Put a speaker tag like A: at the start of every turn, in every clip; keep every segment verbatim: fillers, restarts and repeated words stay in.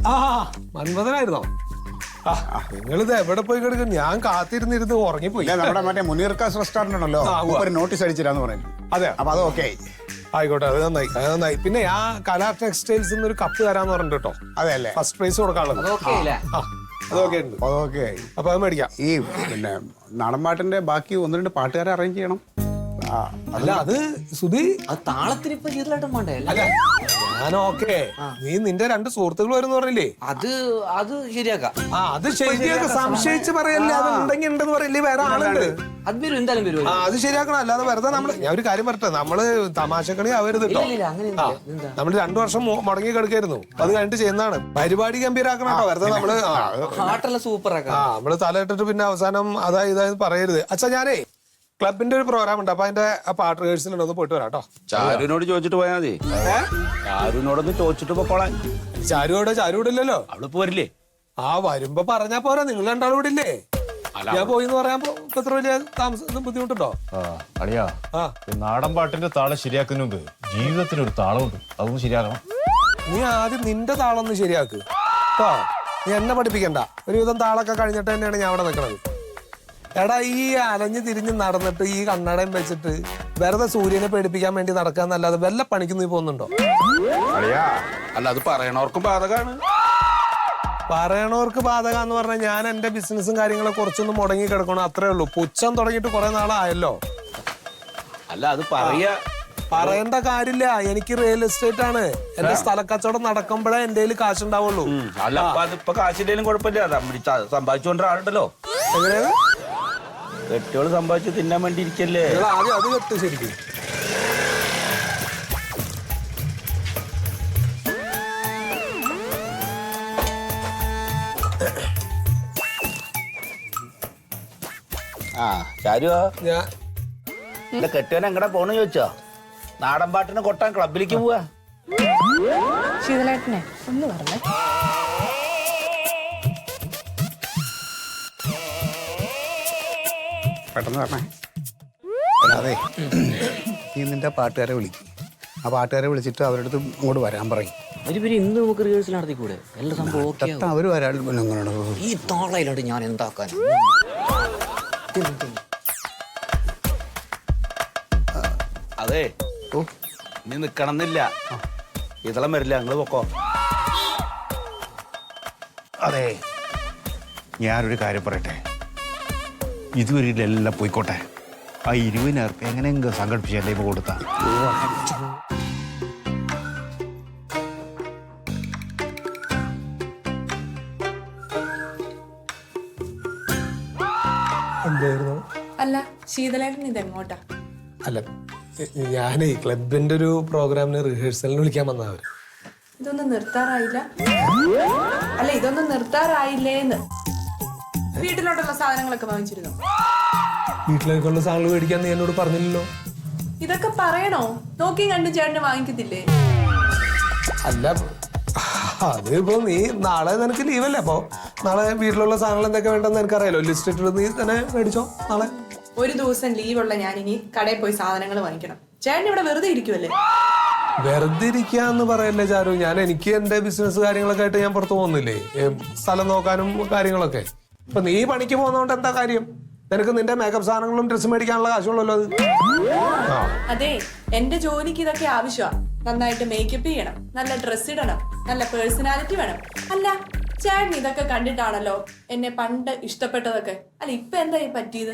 A: ആ മന്മഥനായിരുന്നോ? നിങ്ങളിത് എവിടെ പോയി കിടക്കും? ഞാൻ കാത്തിരുന്നിരുന്ന് ഉറങ്ങിപ്പോയി.
B: നമ്മുടെ മറ്റേ മുനീർക്കാസ് റെസ്റ്റോറന്റ് ഉണ്ടല്ലോ, ഒരു നോട്ടീസ് അടിച്ചില്ലാന്ന് പറയുന്നു.
A: അതെ,
B: അപ്പൊ അത് ഓക്കെ ആയി.
A: ആയിക്കോട്ടെ, അത് നന്നായി, അത് നന്നായി. പിന്നെ ആ കലാ ടെക്സ്റ്റൈൽസ് ഒരു കപ്പ് തരാന്ന് പറഞ്ഞിട്ട് കേട്ടോ.
B: അതെ അല്ലേ,
A: ഫസ്റ്റ് പ്രൈസ് കൊടുക്കാനുള്ളത്. അതൊക്കെ ഉണ്ട്,
B: അതൊക്കെ ആയി.
A: അപ്പൊ അത് മേടിക്കാം.
B: ഈ പിന്നെ നാടൻ പാട്ടിന്റെ ബാക്കി ഒന്ന് രണ്ട് പാട്ടുകാരെ അറേഞ്ച് ചെയ്യണം.
A: അല്ല അത് സുധി,
C: അത് താളത്തിന് ഇപ്പൊ ചെയ്തതായിട്ടും വേണ്ടേ?
A: അല്ല ഞാൻ ഓക്കെ, നീ നിന്റെ രണ്ട് സുഹൃത്തുക്കൾ വരുന്ന പറഞ്ഞില്ലേ,
C: അത് അത് ശരിയാക്കാം.
A: ആ അത് ശരിയാക്കാം. സംശയിച്ച് പറയല്ലേ, അത് ഉണ്ടെങ്കിൽ ഉണ്ടെന്ന് പറയില്ലേ, വേറെ ആളുണ്ട്.
C: അത് വരും, എന്തായാലും വരും.
A: ആ അത് ശരിയാക്കണം. അല്ലാതെ വെറുതെ നമ്മള്, ഞാൻ ഒരു കാര്യം പറട്ടെ, നമ്മള് തമാശക്കണി ആവരുത് കേട്ടോ. നമ്മള് രണ്ടു വർഷം മുടങ്ങി കിടക്കായിരുന്നു, അത് കഴിഞ്ഞിട്ട് ചെയ്യുന്നതാണ്. പരിപാടി ഗംഭീരാക്കണം കേട്ടോ. വെറുതെ നമ്മള്
C: പാട്ടെല്ലാം സൂപ്പർ ആക്കാം.
A: ആ നമ്മള് തലയിട്ടിട്ട് പിന്നെ അവസാനം അതാ ഇതായത് പറയരുത്. അച്ഛാ ഞാനേ ക്ലബിന്റെ ഒരു പ്രോഗ്രാം ഉണ്ട്, അപ്പൊ അതിന്റെ പാട്ട് റിഹേഴ്സൽ ഒന്ന് പോയിട്ട് വരാം കേട്ടോ.
D: ചാരുവിനോട് ചോദിച്ചിട്ട് പോയാൽ മതി. ചാരുവിനോടൊന്ന് ചോദിച്ചിട്ട് പോക്കോളാൻ.
A: ചാരുവിടെ ചാരുവിടില്ലല്ലോ,
D: അവള് പോരില്ലേ?
A: ആ വരുമ്പോ പറഞ്ഞാ പോരാ, നിങ്ങൾ രണ്ടാളും ഇവിടെ ഇല്ലേ? ഞാൻ പോയി എന്ന് പറയാൻ ഇത്ര വലിയ താമസം ബുദ്ധിമുട്ടുണ്ടോ?
E: അളിയാ, നാടൻ പാട്ടിന്റെ താളം ശരിയാക്കുന്നതിന് മുമ്പ് ജീവിതത്തിന് ഒരു താളമുണ്ട്, അതൊന്നും ശരിയാക്കണം.
A: നീ ആദ്യം നിന്റെ താളം ഒന്ന് ശരിയാക്ക് കേട്ടോ. നീ എന്നെ പഠിപ്പിക്കണ്ട. ഒരുവിധം താളൊക്കെ കഴിഞ്ഞിട്ട് തന്നെയാണ് ഞാൻ അവിടെ നിൽക്കണത്. എടാ ഈ അലഞ്ഞു തിരിഞ്ഞ് നടന്നിട്ട് ഈ കണ്ണടയും വെച്ചിട്ട് വെറുതെ സൂര്യനെ പേടിപ്പിക്കാൻ വേണ്ടി നടക്കാന്നല്ലാതെ വല്ല പണിക്ക് നീ പോകുന്നുണ്ടോ?
D: അല്ല അത് പറയണവർക്കും ബാധകാണ്.
A: പറയണവർക്ക് ബാധകാന്ന് പറഞ്ഞാൽ ഞാൻ എന്റെ ബിസിനസ്സും കാര്യങ്ങളും കുറച്ചൊന്നും മുടങ്ങി കിടക്കണം, അത്രേ ഉള്ളൂ. പുച്ഛം തുടങ്ങിയിട്ട് കുറെ നാളായല്ലോ.
D: അല്ല അത് പറയാ
A: പറയേണ്ട കാര്യമില്ല. എനിക്ക് റിയൽ എസ്റ്റേറ്റ് ആണ്. എന്റെ സ്ഥലക്കച്ചവടം നടക്കുമ്പോഴേ എന്റെ കയ്യിൽ കാശുണ്ടാവുള്ളൂ.
D: അല്ല അപ്പൊ അതിപ്പോ കാശിന്റെയും കുഴപ്പമില്ല, സമ്പാദിച്ചുകൊണ്ട് ആളുണ്ടല്ലോ.
A: എങ്ങനെയാണ്
D: കെട്ടിയോള് സമ്പാദിച്ച് തിന്നാൻ വേണ്ടി ഇരിക്കല്ലേ?
A: ആദ്യം അത് കെട്ട് ശരിക്കും.
D: ആ ചാരുവോ,
A: ഞാൻ
D: എന്റെ കെട്ടിയോൻ എങ്ങടെ പോണെന്ന് ചോദിച്ചോ? നാടൻ പാട്ടിന് കൊട്ടാൻ ക്ലബിലേക്ക് പോവാ.
F: ശീതളേട്ടനെ ഒന്ന് പറഞ്ഞേ.
B: പെട്ടെന്ന് പറഞ്ഞേ. അല്ലാതെ നീ നിന്റെ പാട്ടുകാരെ വിളിക്കും. ആ പാട്ടുകാരെ വിളിച്ചിട്ട് അവരുടെ അടുത്ത് ഇങ്ങോട്ട് വരാൻ പറയും.
C: ഇന്ന് നമുക്ക് റിഹേഴ്സൽ നടത്തിക്കൂടെ? എല്ലാ സംഭവം
B: അവര് വരാൻ.
C: ഈ താളയിലോട്ട് ഞാൻ എന്താക്കാൻ?
D: അതെ നീ നിക്കണമെന്നില്ല, ഇതളം വരില്ല, നിങ്ങള് പൊക്കോ.
B: അതെ, ഞാനൊരു കാര്യം പറയട്ടെ. ഇതുവരെ എല്ലാം പോയിക്കോട്ടെ. ആ ഇരുപതിനായിരം എങ്ങനെയെങ്കിലും സംഘടിപ്പിച്ച് എൻ്റെ ഇപ്പോൾ കൊടുത്താ.
A: എന്തായിരുന്നു?
F: അല്ല ശീതളേട്ടൻ ഇതെങ്ങോട്ടാ?
A: അല്ല ഞാനേ ക്ലബിന്റെ ഒരു പ്രോഗ്രാമിന് റിഹേഴ്സലിന് വിളിക്കാൻ വന്നവര്.
F: ഇതൊന്നും നിർത്താറായില്ല? അല്ല ഇതൊന്നും നിർത്താറായില്ലേന്ന്. വീട്ടിലോട്ടുള്ള സാധനങ്ങളൊക്കെ വാങ്ങിച്ചിരുന്നു?
A: വീട്ടിലേക്കുള്ള സാധനങ്ങൾ മേടിക്കാൻ നീ എന്നോട് പറഞ്ഞില്ലല്ലോ.
F: ഇതൊക്കെ പറയണോ? നോക്കി കണ്ടു ചേട്ടന് വാങ്ങിക്കത്തില്ലേ?
A: അല്ല അത് ഇപ്പൊ നീ നാളെ നിനക്ക് ലീവല്ലേ, അപ്പൊ നാളെ വീട്ടിലുള്ള സാധനങ്ങൾ എന്തൊക്കെ വേണ്ടെന്ന് എനിക്കറിയാലോ. ലിസ്റ്റ് ഇട്ടിട്ട് നീ തന്നെ മേടിച്ചോ നാളെ.
F: ഒരു ദിവസം ലീവുള്ള ഞാൻ ഇനി കടയിൽ പോയി സാധനങ്ങൾ വാങ്ങിക്കണം. ചേട്ടൻ ഇവിടെ വെറുതെ ഇരിക്കുമല്ലേ?
A: വെറുതെ ഇരിക്കാന്ന് പറയല്ലേ ചാരു. ഞാൻ എനിക്ക് എന്റെ ബിസിനസ് കാര്യങ്ങളൊക്കെ ആയിട്ട് ഞാൻ പുറത്തു പോകുന്നില്ലേ, സ്ഥലം നോക്കാനും കാര്യങ്ങളൊക്കെ. ഇപ്പൊ നീ പണിക്ക് പോകുന്നോണ്ട് എന്താ കാര്യം? നിനക്ക് നിന്റെ മേക്കപ്പ് സാധനങ്ങളും ഡ്രസ്സ് മേടിക്കാനുള്ള കാശുള്ളല്ലോ അത്.
F: അതെ, എന്റെ ജോലിക്ക് ഇതൊക്കെ ആവശ്യമാണ്. നന്നായിട്ട് മേക്കപ്പ് ചെയ്യണം, നല്ല ഡ്രസ് ഇടണം, നല്ല പേഴ്സണാലിറ്റി വേണം. അല്ല ചേട്ടൻ ഇതൊക്കെ കണ്ടിട്ടാണല്ലോ എന്നെ പണ്ട് ഇഷ്ടപ്പെട്ടതൊക്കെ. അല്ല ഇപ്പൊ എന്താ ഈ പറ്റിയത്?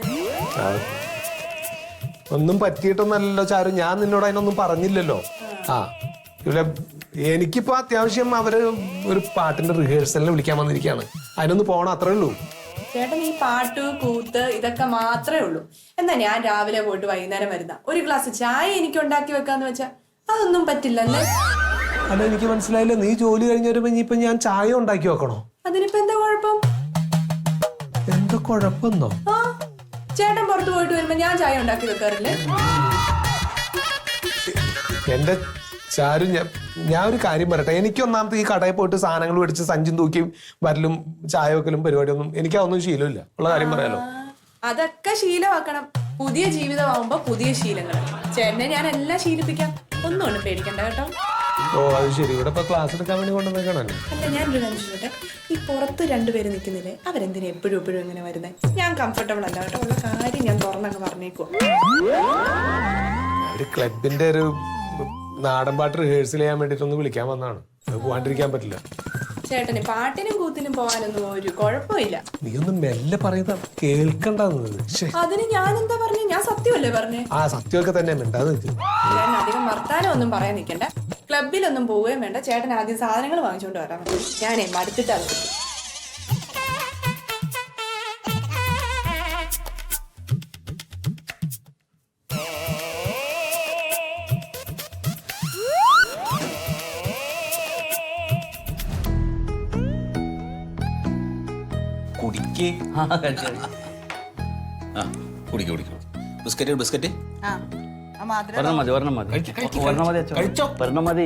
A: ഒന്നും പറ്റിയിട്ടൊന്നല്ലോ ചാരു, ഞാൻ നിന്നോട് അതിനൊന്നും പറഞ്ഞില്ലല്ലോ. ആ ഇവിടെ എനിക്കിപ്പോ അത്യാവശ്യം അവര് ഒരു പാട്ടിന്റെ റിഹേഴ്സലിന് വിളിക്കാൻ വന്നിരിക്കുകയാണ്, അതിനൊന്ന് പോണം, അത്രേ ഉള്ളൂ.
F: ചേട്ടൻ ഈ പാട്ട് കൂത്ത് ഇതൊക്കെ മാത്രമേ ഉള്ളൂ. എന്നാ ഞാൻ രാവിലെ പോയിട്ട് വൈകുന്നേരം വരുന്ന ഒരു ഗ്ലാസ് ചായ എനിക്ക് ഉണ്ടാക്കി വെക്കാന്ന് വെച്ചാ അതൊന്നും പറ്റില്ലല്ലേ?
A: അല്ല എനിക്ക് മനസ്സിലായില്ല, നീ ജോലി കഴിഞ്ഞ് വരുമ്പോ ഇനിയിപ്പൊ ഞാൻ ചായ ഉണ്ടാക്കി വെക്കണോ?
F: അതിനിപ്പോ എന്താ കുഴപ്പം?
A: എന്താ കുഴപ്പമെന്നോ?
F: ആ ചേട്ടൻ പുറത്തു പോയിട്ട് വരുമ്പോ ഞാൻ ചായ ഉണ്ടാക്കി വെക്കാറില്ലേ?
A: എന്റെ ചാരു, ഞാൻ ഞാൻ ഒരു കാര്യം പറയട്ടെ. എനിക്ക് ഒന്നാമത്തെ ഈ കടയിൽ പോയിട്ട് സാധനങ്ങൾ മേടിച്ച് സഞ്ചും തൂക്കിയും വരലും ചായ വെക്കലും പരിപാടിയൊന്നും എനിക്ക് അതൊന്നും ശീലമില്ല, ഉള്ള കാര്യം പറയാലോ.
F: അതൊക്കെ ശീലമാക്കണം. പുതിയ ജീവിതമാകുമ്പോ പുതിയ ശീലങ്ങൾ. ചേട്ടനെ ഞാൻ എല്ലാം ശീലിപ്പിക്കാം, ഒന്നും പേടിക്കണ്ട കേട്ടോ.
A: ഓ അത് ശരി, ഇവിടെ ഇപ്പൊ ക്ലാസ് എടുക്കാൻ വേണ്ടി കൊണ്ടുവന്നേക്കണല്ലേ.
F: അല്ല ഞാൻ ഒരു കാര്യം ചോദിച്ചോട്ടെ, ഈ പുറത്ത് രണ്ടുപേര് നിൽക്കുന്നില്ലേ, അവരെന്തിനാ എപ്പോഴും എപ്പോഴും ഇങ്ങനെ വരുന്നത്? ഞാൻ കംഫർട്ടബിൾ അല്ല കേട്ടോ, ഉള്ള കാര്യം ഞാൻ തുറന്നങ്ങ് പറഞ്ഞേക്കോ.
A: ഒരു ക്ലബിന്റെ ഒരു നാടൻ പാട്ട് റിഹേഴ്സൽ ചെയ്യാൻ വേണ്ടിട്ടൊന്ന് വിളിക്കാൻ വന്നതാണ്. അത് പോവാണ്ടിരിക്കാൻ പറ്റില്ല.
F: ചേട്ടന് പാട്ടിനും കൂത്തിനും പോകാനൊന്നും ഒരു കുഴപ്പമില്ല.
A: നീ ഒന്ന് മെല്ലെ പറയുന്ന കേൾക്കണ്ടെന്നത്.
F: അതിന് ഞാൻ എന്താ പറഞ്ഞു? ഞാൻ സത്യമല്ലേ പറഞ്ഞേ?
A: ആ സത്യമൊക്കെ തന്നെ മിണ്ടാതെ നിൽക്കും.
F: ചേട്ടൻ അധികം വർത്താനം ഒന്നും പറയാൻ നിൽക്കണ്ട. ക്ലബിലൊന്നും പോവുകയും വേണ്ട. ചേട്ടൻ ആദ്യം സാധനങ്ങൾ വാങ്ങിച്ചോണ്ട് വരാൻ മതി. ഞാനേ മടുത്തിട്ടാണ്.
G: കുടിക്ക്
C: ആ, കഴിച്ചോ.
G: ആ കുടിക്ക് കുടിക്കും. ബിസ്ക്കറ്റ് ബിസ്ക്കറ്റ്
C: ഒരെണ്ണം മതി ഒരെണ്ണം മതി ഒരെണ്ണം മതി അച്ഛോ.
G: കഴിച്ചോ.
C: ഒരെണ്ണം മതി.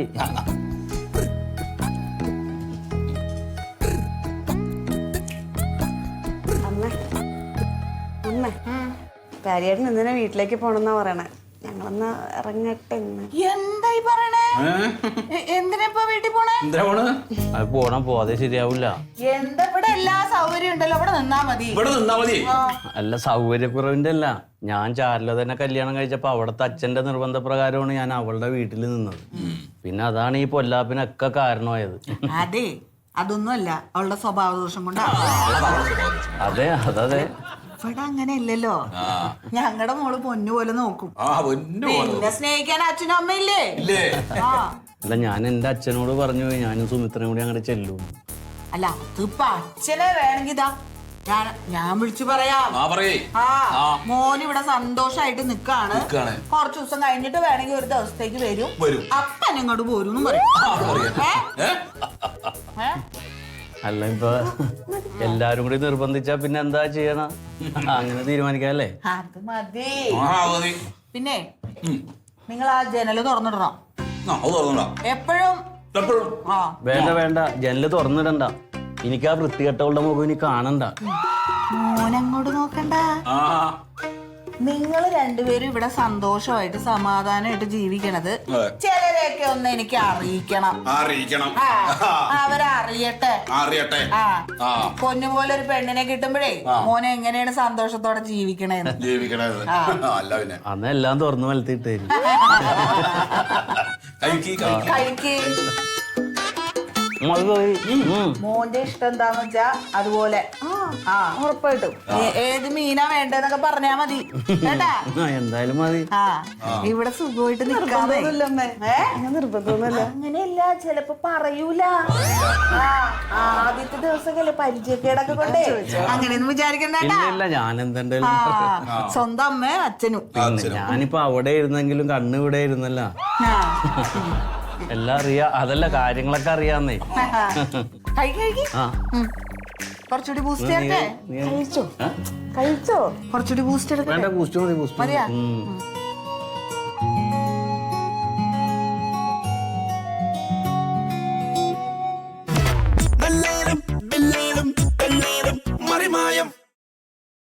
H: അമ്മ അമ്മ കാര്യമായിട്ട് ഇന്നലെ വീട്ടിലേക്ക് പോണെന്നാ പറയണേ. ഞങ്ങളൊന്ന് ഇറങ്ങട്ടെ ഇന്ന്.
I: എന്തായി പറയണേ? എന്തിനാ ഇപ്പൊ വീട്ടിൽ പോണേ?
G: എന്താ പോണ്?
C: അത് പോണം, പോവാതെ ശരിയാവില്ല.
I: എന്താ ഇവിടെ എല്ലാ സൗകര്യം ഉണ്ടല്ലോ, ഇവിടെ നിന്നാ മതി.
G: ഇവിടെ നിന്നാ മതി.
C: അല്ല, സൗകര്യക്കുറവിന്റെ അല്ല. ഞാൻ ചാരില തന്നെ കല്യാണം കഴിച്ചപ്പോ അവിടുത്തെ അച്ഛന്റെ നിർബന്ധപ്രകാരമാണ് ഞാൻ അവളുടെ വീട്ടിൽ നിന്നത്. പിന്നെ അതാണ് ഈ പൊല്ലാപ്പിനൊക്കെ കാരണമായത്.
I: അതെ, അതൊന്നും അല്ല, അവളുടെ സ്വഭാവ ദോഷം കൊണ്ടാ.
C: അതെ അതതെ.
I: ഇവിടെ അങ്ങനെ ഇല്ലല്ലോ. ഞങ്ങളുടെ മോള് പൊന്നു പോലെ നോക്കും.
G: ആ പൊന്നു പോലെ.
I: പിന്നെ സ്നേഹിക്കാൻ അച്ഛനും അമ്മയില്ലേ?
G: ഇല്ലേ?
I: ആ
C: അല്ല, ഞാൻ എന്റെ അച്ഛനോട് പറഞ്ഞു ഞാനും സുമിത്രയും കൂടി അങ്ങോട്ട് ചെല്ലും.
I: അല്ല അതിപ്പോ അച്ഛനെ വേണമെങ്കിൽ ഇതാ ഞാൻ ഞാൻ വിളിച്ചു പറയാം.
G: ആ പറയേ.
I: ആ മോൻ ഇവിടെ സന്തോഷായിട്ട് നിക്കാണ്.
G: നിക്കാണ്.
I: കുറച്ചു ദിവസം കഴിഞ്ഞിട്ട് വേണമെങ്കിൽ ഒരു ദിവസത്തേക്ക് വരും.
G: വരും.
I: അപ്പൻ ഇങ്ങോട്ട് പോരും പറയും.
G: ഏ?
I: ഏ?
C: അല്ല, ഇപ്പൊ എല്ലാരും കൂടി നിർബന്ധിച്ചാ പിന്നെ എന്താ ചെയ്യണ? അങ്ങനെ തീരുമാനിക്കാല്ലേ?
I: അത് മതി.
G: ആ മതി.
I: പിന്നെ നിങ്ങൾ ആ ജനല് തുറന്നിടണം
G: ആ അത് തുറന്നോളാം.
I: എപ്പോഴും.
G: എപ്പോഴും.
I: ആ
C: വേണ്ട വേണ്ട, ജനല് തുറന്നിടണ്ട. എനിക്ക് ആ വൃത്തികെട്ടവളുടെ മുഖം ഇനി കാണണ്ട.
I: മോനങ്ങോട്ട് നോക്കണ്ട.
G: ആ
I: നിങ്ങൾ രണ്ടുപേരും ഇവിടെ സന്തോഷമായിട്ട് സമാധാനമായിട്ട് ജീവിക്കണത്
G: അതെ.
I: ചിലരെയൊക്കെ ഒന്ന് എനിക്ക് അറിയിക്കണം.
G: അറിയിക്കണം.
I: ആ, അവരറിയട്ടെ.
G: അറിയട്ടെ.
I: ആ
G: ആ
I: പൊന്നുപോലെ ഒരു പെണ്ണിനെ കിട്ടുമ്പോഴേ മോനെ എങ്ങനെയാണ് സന്തോഷത്തോടെ ജീവിക്കണേന്ന്.
G: ജീവിക്കണത്.
I: ആ.
G: അല്ല പിന്നെ
C: അന്ന് എല്ലാം തുറന്നു വലത്തിട്ട് തരും.
G: കഴിക്ക് കഴിക്ക്.
I: കഴിക്ക്.
C: അത് പോയി. ഉം.
I: മോന്റെ ഇഷ്ടം എന്താന്ന് വെച്ചാ അതുപോലെ. ആ ഉറപ്പായിട്ടും. ഏ- ഏത് മീനാ വേണ്ടെന്നൊക്കെ പറഞ്ഞാ മതി കേട്ടാ.
C: ആ, എന്തായാലും മതി.
I: ആ ഇവിടെ സുഖമായിട്ട് നിക്കാതെ. ഏ?
H: നിർബന്ധമൊന്നുമല്ല.
I: അങ്ങനെയല്ല, ചിലപ്പോ പറയൂല. ആ, ആദ്യത്തെ ദിവസമൊക്കെ പരിചയക്കേടൊക്കെ കൊണ്ടേ അങ്ങനെയൊന്നും വിചാരിക്കണ്ട.
C: ഇല്ല ഇല്ല, ഞാൻ എന്തെങ്കിലും
I: ആ സ്വന്തം അമ്മയും അച്ഛനും.
C: പിന്നെ ഞാനിപ്പോ അവിടെ ഇരുന്നെങ്കിലും കണ്ണ് ഇവിടെ ഇരുന്നല്ല.
I: ആ.
C: എല്ലാം അറിയാ. അതല്ല, കാര്യങ്ങളൊക്കെ അറിയാന്നേ.
I: കഴിക്ക് കഴിക്ക്.
C: ആ
I: ഉം. കുറച്ചുകൂടി ബൂസ്റ്റ് ചേർക്കേ.
C: നീ
H: കഴിച്ചോ കഴിച്ചോ?
I: കുറച്ചുകൂടി ബൂസ്റ്റ് എടുക്കട്ടെ.
C: വേണ്ട, ബൂസ്റ്റ് മതി, ബൂസ്റ്റ് മതി.
I: മതിയാ?
C: ഉം.